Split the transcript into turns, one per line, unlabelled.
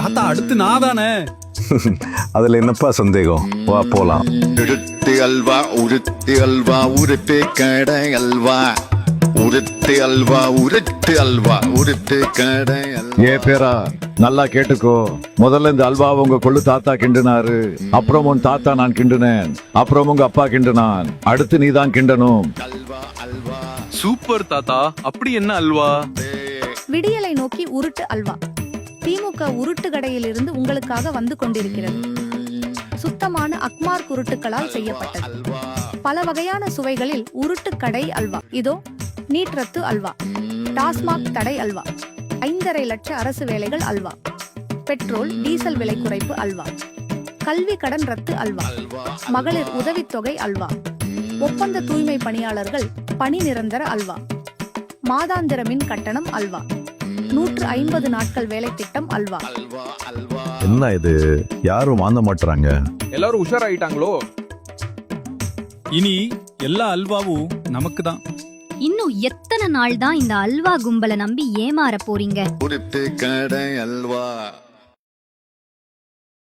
தாத்தா அடுத்து நான் தானே.
அதுல என்னப்பா சந்தேகம், வா போலாம்.
உருட்டு அல்வா உருட்டு அல்வா உருட்டு கடை அல்வா உருட்டு அல்வா உருட்டு அல்வா உருட்டு கடை அல்வா.
ஏ பேரா நல்லா கேட்டுக்கோ. முதல்ல இந்த அல்வா உங்க கொள்ளு தாத்தா கிண்டுனாரு, அப்புறம் உன் தாத்தா நான் கிண்டுனேன், அப்புறம் உங்க அப்பா கிண்டுனான், அடுத்து நீ தான் கிண்டணும்.
அல்வா அல்வா
சூப்பர் தாத்தா. அப்படி என்ன அல்வா?
விடியலை நோக்கி உருட்டு அல்வா. திமுக உருட்டு கடையிலிருந்து உங்களுக்காக வந்து கொண்டிருக்கிறது. சுத்தமான அக்மார் உருட்டுகளால் செய்யப்பட்டது. பல வகையான சுவைகளில் உருட்டு கடை அல்வா. இதோ நீட் ரத்து அல்வா, டாஸ்மாக் தடை அல்வா, 5.5 லட்ச அரசு வேலைகள் அல்வா, பெட்ரோல் டீசல் விலை குறைப்பு அல்வா, கல்வி கடன் ரத்து அல்வா, மகளிர் உதவித்தொகை அல்வா, ஒப்பந்த தூய்மை பணியாளர்கள் பணி நிரந்தர அல்வா, மாதாந்திர மின் கட்டணம் அல்வா, 150 நாட்கள் வேலை திட்டம் அல்வா.
என்ன இது, யாரும் வாங்க மாட்டாங்க.
எல்லாரும் உஷாராயிட்டாங்களோ? இனி எல்லா அல்வாவும் நமக்கு தான்.
இன்னும் எத்தனை நாள் தான் இந்த அல்வா கும்பலை நம்பி ஏமாற போறீங்க?
உருட்டு கடை அல்வா.